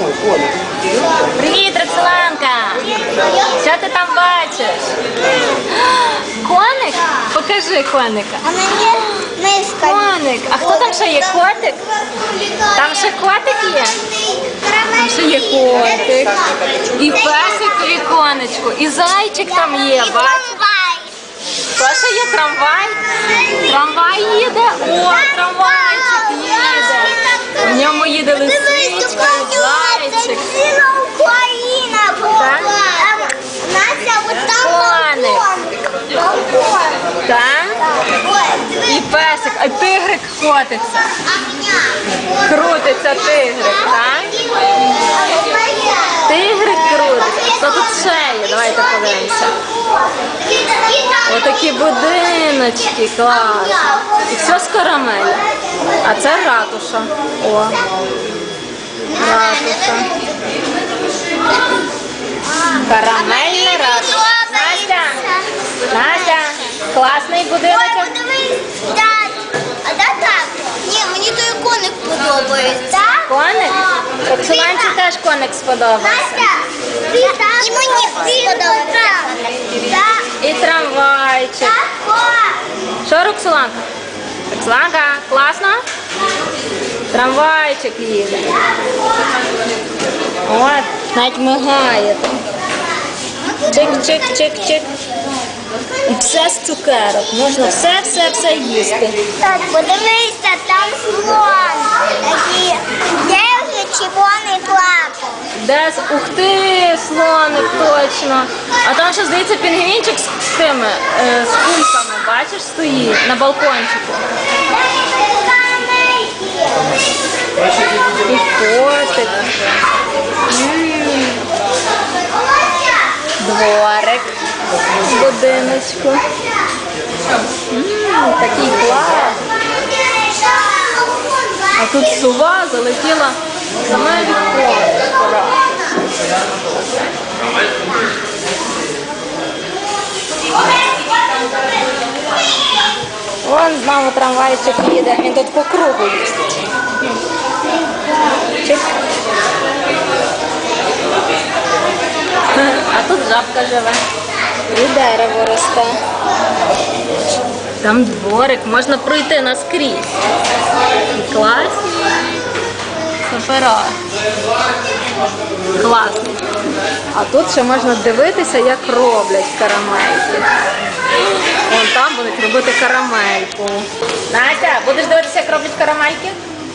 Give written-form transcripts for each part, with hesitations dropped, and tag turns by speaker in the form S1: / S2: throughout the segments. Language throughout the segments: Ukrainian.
S1: Привіт, Роксоланка! Що ти там бачиш? Коник? Покажи коника.
S2: А мені мишка.
S1: Коник. А хто там ще є? Котик? Там ще котик є? Там ще є котик. І песик у віконечку. І зайчик там є, бачиш? Що ще є? Трамвай? Трамвай їде? О, трамвайчик їде. В ньому їде лисичка, зайчик.
S2: Ціла Україна була. Настя, от там балкон.
S1: Так? І песик, а тигрик котиться. Крутиться тигрик, так? Тигрик крутиться. Що тут ще є? Давайте подивимося. Отакі будиночки, клас. І все з карамелі. А це ратуша. О. Ратуша. Карамельна ратуша. Настя! Настя! Класний будиночок.
S2: А де так? Ні, мені той коник подобається.
S1: Коник? Роксоланці теж коник сподобався.
S2: І мені сподобається.
S1: І трамвайчик. Що, Роксоланка? Роксоланка, класно? Трамвайчик їде. От, навіть мигає там. Чик-чик-чик-чик. І все з цукерок. Можна все їсти.
S2: Так, подивися, там слон. Такий держить червоний плакав.
S1: Десь, ух ти, слоник, точно. А там ще, здається, пінгвінчик з тими, з кульками, бачиш, стоїть на балкончику. І котик. Дворик в будиночку. Такий клас. А тут сова залетіла в саме віконечко. Вон знову трамвайчик їде, він тут по кругу їздить. Чик. А тут жабка живе. І дерево росте. Там дворик, можна пройти наскрізь. І класні. Супера. Класно. А тут ще можна дивитися, як роблять карамельки. Вон там будуть робити карамельку. Настя, будеш дивитися, як роблять карамельки?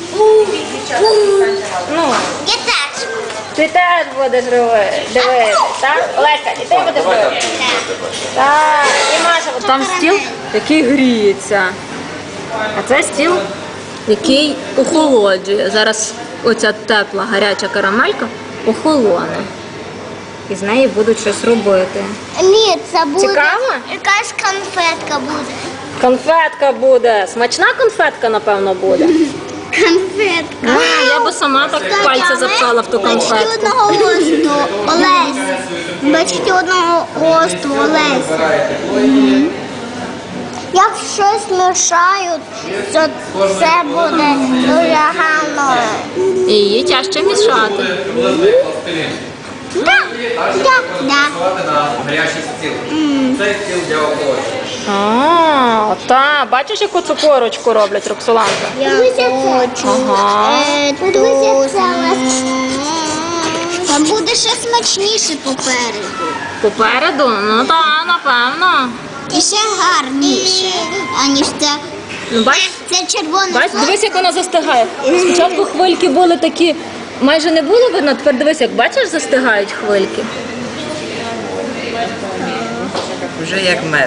S1: Ну.
S2: Я теж.
S1: Ти теж будеш дивитися, так? Олеся, і ти будеш дивитися? Так, і Маша буде. Там стіл, який гріється. А це стіл, який охолоджує. Зараз оця тепла, гаряча карамелька охолоне. І з неї будуть щось робити.
S2: Ні, це буде.
S1: Цікаво?
S2: Якась конфетка буде.
S1: Конфетка буде. Смачна конфетка, напевно, буде.
S2: Конфетка.
S1: Я би сама так пальця запхала в ту
S2: Бачки
S1: конфетку.
S2: одного росту Олеся. Бачки одного росту Олеся. Як щось мішають, то це буде дуже гарно.
S1: І її тяжче мішати.
S2: Так.
S3: на гарячий стіл. Цей стіл для охолодження.
S1: А, та, бачиш, яку цукорочку роблять, Роксоланка?
S2: Я хочу.
S1: Ага.
S2: Там буде ще смачніше попереду.
S1: Попереду? Ну так, напевно.
S2: І ще гарніше, аніж це.
S1: Ну, бач,
S2: Це червоне.
S1: бач, дивись, як вона застигає. Спочатку хвильки були такі, майже не було видно, тепер дивись, як бачиш, застигають хвильки.
S3: Вже як мед.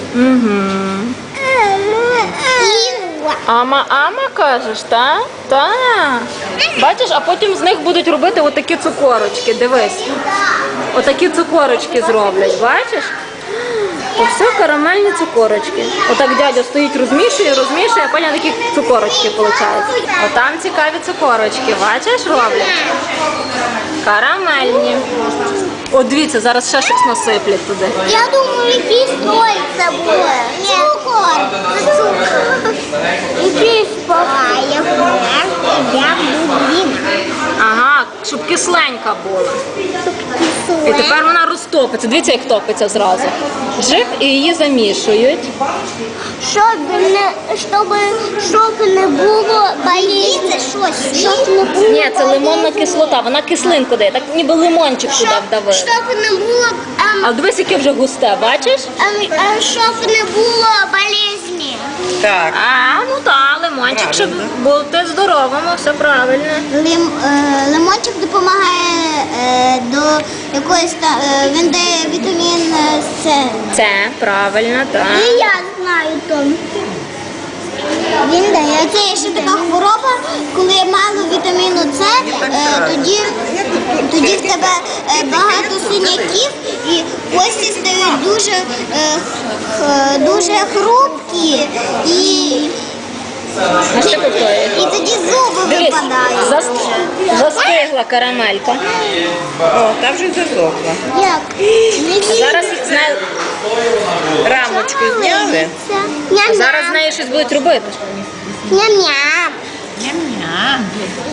S1: Ама кажеш, так? Так. Бачиш, а потім з них будуть робити отакі цукорочки, дивись. Отакі цукорочки зроблять, бачиш? То все карамельні цукорочки. Отак дядя стоїть, розмішує, а потім такі цукорочки виходять. Отам цікаві цукорочки, бачиш, роблять? Карамельні. О, дивіться, зараз ще щось насиплять туди.
S2: Я думаю, якийсь той це буде. Цукор. Це цукор. Якийсь погає. Я буду.
S1: Ага, щоб кисленька була. І тепер вона розтопиться. Дивіться, як топиться зразу. Жик, і її замішують.
S2: Щоб не було болізні. Щоб не було
S1: Ні, це лимонна кислота, вона кислинку дає, так ніби лимончик туди вдавив.
S2: Щоб не було
S1: А дивись, яке вже густе, бачиш?
S2: щоб не було болезні.
S3: Так.
S1: А, ну так, лимончик, щоб бути здоровим, все правильно.
S2: Лимончик допомагає до якоїсь він дає вітамін С.
S1: Це правильно, так.
S2: І я знаю то. Він дає. Це є ще така хвороба, коли маємо вітаміну С, тоді в тебе багато синяків і кості стають дуже хрупкі і
S1: А ще повторює.
S2: тоді зуби
S1: Дивись,
S2: випадають.
S1: застигла карамелька.
S3: О, та вже засохла.
S2: Як?
S1: Зараз з нею,
S3: Рамочку зняли.
S1: зараз з нею щось будуть робити.
S2: Ням-ням.
S3: Ням-ням.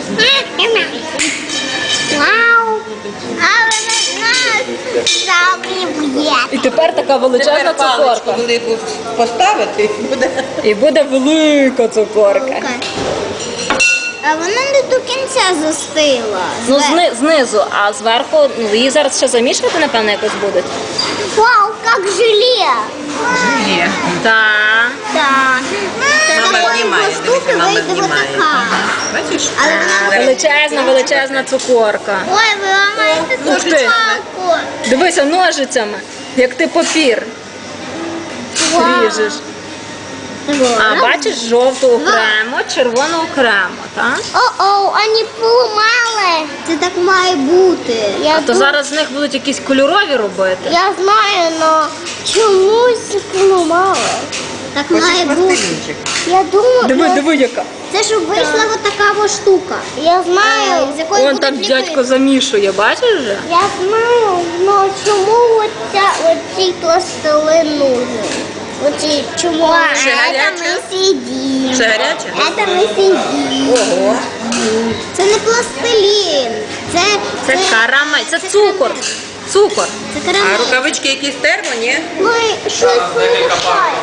S2: Вау. Але нас заб'є.
S1: І тепер така величезна
S3: Тепер паличку
S1: цукорка.
S3: велику поставити і буде.
S1: І буде велика цукорка.
S2: А вона не до кінця застигла.
S1: Ну, знизу, а зверху, ну, її зараз ще замішувати, напевно, якось будуть.
S2: Вау, як желе.
S3: Ні.
S1: Так.
S2: Так.
S3: Мама знімає, дивіться, мама
S2: вийде
S3: знімає.
S2: отака.
S3: Бачиш?
S2: Але вона...
S1: Величезна цукорка.
S2: Ой, ви ламаєте
S1: Ух
S2: тут
S1: ти.
S2: палку.
S1: Дивися ножицями, як ти папір ріжеш. А бачиш, жовту окремо, червону окремо, так?
S2: О-о, вони поламали. Це так має бути.
S1: А то зараз з них будуть якісь кольорові робити.
S2: Я знаю, але чомусь поламали. Так
S3: Хочеш
S2: має бути.
S3: пластилінчик?
S2: Я думаю,
S1: Диви, яка.
S2: це щоб вийшла отака штука. Я знаю, з якої
S1: Вон
S2: будуть
S1: там
S2: ліпити.
S1: дядько замішує, бачиш вже?
S2: Я знаю, але чому оцій пластилин нужен? Оці чому?
S3: Ще
S2: Это
S3: гаряче?
S2: ми сидимо.
S3: Ще гаряче?
S2: Это ми сидимо.
S3: Ого.
S2: Це не пластилін.
S1: Це карамель, це цукор. Цукор.
S2: Це
S3: А
S2: карамель.
S3: рукавички якісь термо, ні?
S2: Ми щось вимішаємо.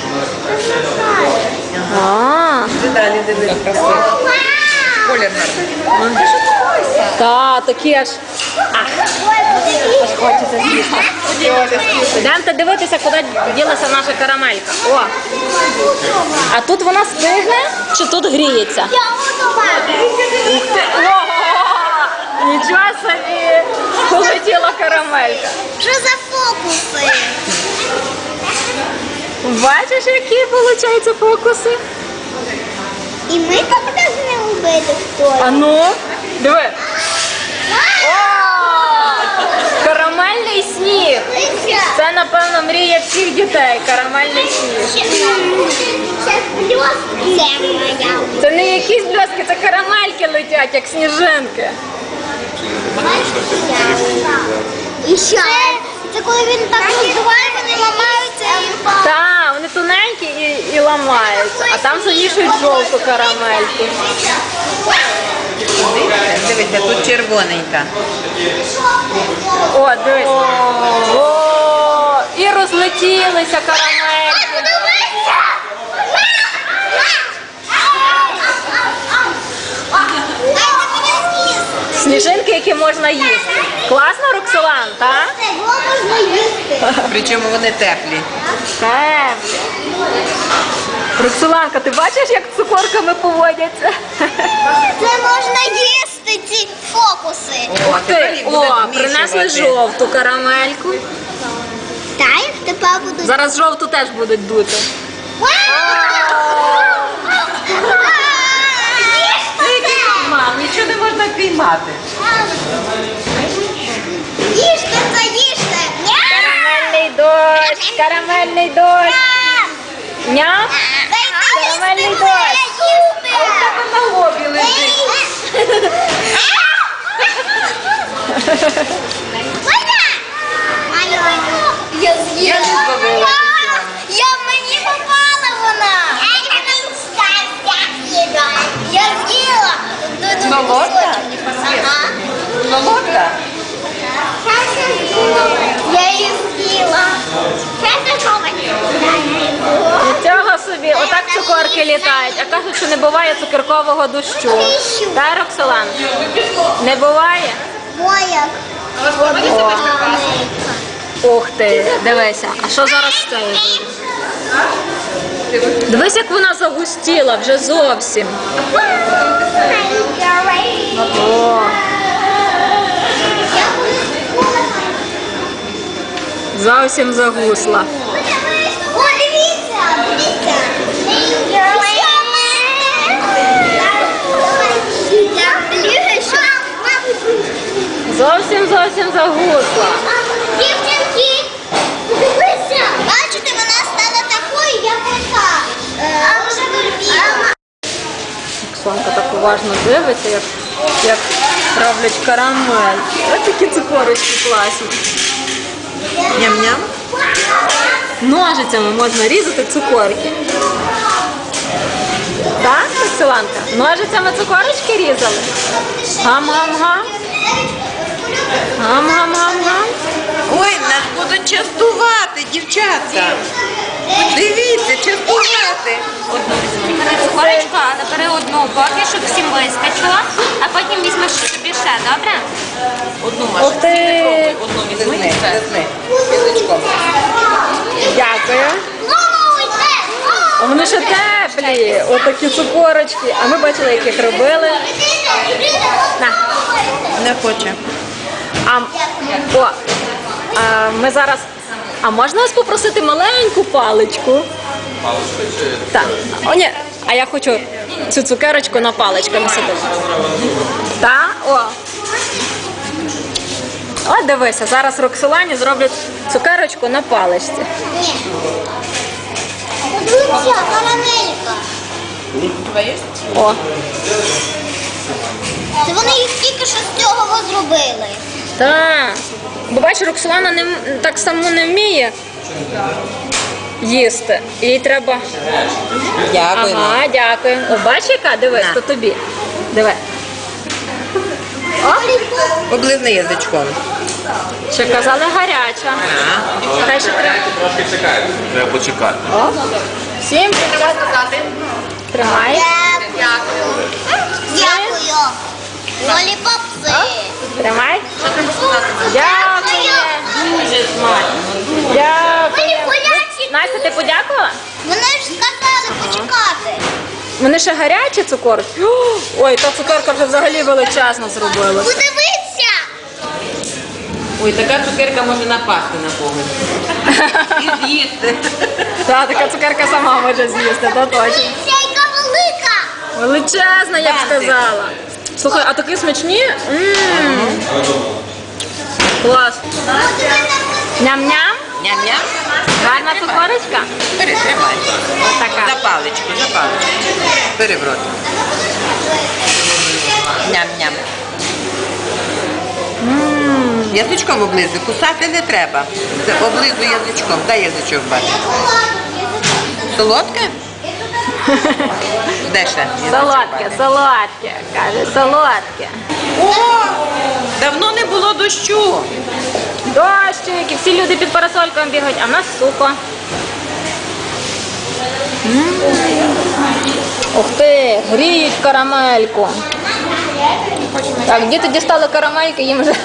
S1: А,
S3: Ти далі дивись, красиво. Колір гарний.
S1: та, такі аж хочеться з'їсти. Йдемте дивитися, куди ділася наша карамелька. О, а тут вона стигне чи тут гріється?
S2: Я готова.
S1: Ух ти! Ого! Нічого собі! Полетіла карамелька.
S2: Що за фокуси?
S1: Бачиш, які виходять фокуси?
S2: І ми так повинні робити хтось.
S1: А ну, диви. О! Карамельний сніг. Це, напевно, мрія всіх дітей. Карамельний сніг.
S2: Це бльоски. Це моя.
S1: Це не якісь бльоски, це карамельки летять, як сніжинки.
S2: І що? Це коли він так роздуває, вони ламаються і
S1: Так, вони тоненькі і ламаються. А там замішують жовту карамельку.
S3: Дивіться, тут червоненька.
S1: О, дивись. О, і розлетілися карамельки. Сніжинки, які можна їсти. Класно, Роксолан, так?
S2: Це можна їсти.
S3: Причому вони теплі.
S1: Роксоланка, ти бачиш, як з цукорками поводяться?
S2: Це можна їсти, ці фокуси.
S3: О, тепер їх будуть
S1: Принесли
S3: вмішувати.
S1: жовту карамельку.
S2: Та їх тепер будуть.
S1: Зараз жовту теж будуть дути.
S3: Мам, нічого не можна піймати.
S2: Їжте це, їжте.
S1: Карамельний дощ, карамельний дощ. Ням? Карамельний дощ.
S3: На лобі лежить.
S2: Я з'їла.
S3: Я не зловила нічого.
S2: Я мені попала вона. Я з'їла.
S3: Солодка?
S2: Ага.
S3: Солодка?
S2: Я її з'їла.
S1: Нічого собі, отак цукорки літають, а кажуть, що не буває цукеркового дощу. Так, Роксолан? Не буває?
S2: Моя.
S1: Ух ти, дивися, а що зараз з цією буде? Дивись, як вона загустіла вже зовсім. О, зовсім загусла.
S2: О, дивіться, дивіться.
S1: Зовсім загусла.
S2: Дівчинки, дивися. Бачите, вона стала такою, як ота.
S1: Оксанка так уважно дивиться, як роблять карамель. Ось такі цукорочки класні.
S3: Ням-ням.
S1: Ножицями можна різати цукорки. Так, Оксанка? Ножицями цукорочки різали? Гам-гам-гам. Гам-гам-гам-гам.
S3: Ой, нас будуть частувати, дівчатка. Дивіться, частувати.
S4: Одну візьми. Бери цукорочку, але бери одну поки, щоб всім вискочило, а потім візьмеш собі ще, добре?
S3: Одну
S1: Ух
S3: Маша.
S1: ти!
S3: Одну візьми і все. Язичком.
S1: Дякую. А вони ще теплі, отакі цукорочки. А ми бачили, як їх робили. На.
S3: Не хоче.
S1: Ми зараз. А можна вас попросити маленьку паличку? Паличку чи? Так. О, ні. А я хочу цю цукерочку на паличку насадити. Так? О. О, дивися, зараз Роксолані зроблять цукерочку на паличці.
S2: Дивіться, карамелька.
S1: О.
S2: Це вони їх тільки що з цього зробили.
S1: Так. Бо бачиш, Роксолана так само не вміє їсти. Їй треба.
S3: Дякую.
S1: Ага, дякую. О, бачиш, яка? Дивись,
S3: На.
S1: то тобі. Диви.
S3: Облизни язичком.
S1: Ще казали гаряча. Хай ще треба.
S5: Трошки чекають, треба почекати.
S1: Всім тримай.
S2: Дякую. Лоліпопси.
S1: Тримай. Дякую. Дуже смачно. Дякую. Настя, ти подякувала?
S2: Вони ж сказали почекати.
S1: Вони ще гарячі цукорки? Ой, та цукерка вже взагалі величезно зробила.
S2: Подивіться.
S3: Ой, така цукерка може напасти на когось. І з'їсти.
S1: Та, така цукерка сама може з'їсти, то точно.
S2: Дивіться, яка велика.
S1: Величезна, я б
S3: Бантик.
S1: сказала. Слухай, а такі смачні? Клас. Ням-ням?
S3: Ням-ням.
S1: Гарна цукорочка?
S3: Бери, тримай.
S1: Така.
S3: За паличку, за паличку. Бери в рот. Ням-ням. Язичком облизуй, кусати не треба. Це облизуй язичком. Дай язичок бачиш. Солодке? Де ще? Язичок
S1: Солодке,
S3: бачиш.
S1: солодке, каже, солодке.
S3: О! Давно не було дощу.
S1: Дощик, і всі люди під парасольками бігають, а в нас сухо. Ух ти, гріють карамельку. Так, діти дістали карамельки, їм вже.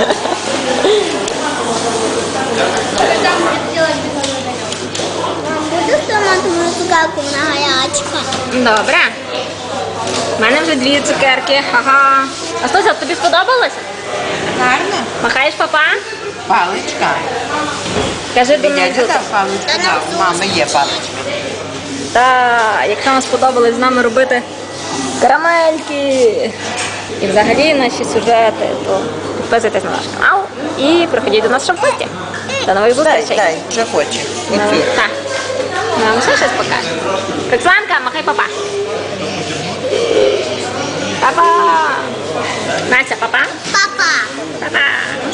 S2: Буду томатну цукерку, вона гарячка.
S1: Добре. У мене вже 2 цукерки. Ага. А Стося, тобі сподобалося?
S3: Гарно.
S1: Махаєш папа?
S3: Паличка.
S1: Кажи до
S3: Дядя
S1: мене.
S3: дав паличку. Да, у мами є паличка.
S1: Так, якщо вам сподобалось з нами робити карамельки і взагалі наші сюжети, то підписуйтесь на наш канал і приходіть до нас ще в гості. До нових зустрічей.
S3: Дай, вже хоче. Оцю.
S1: Так. Нам ще щось покаже. Роксоланка, махай папа. Папа. Настя, папа.
S2: Папа.
S1: Папа.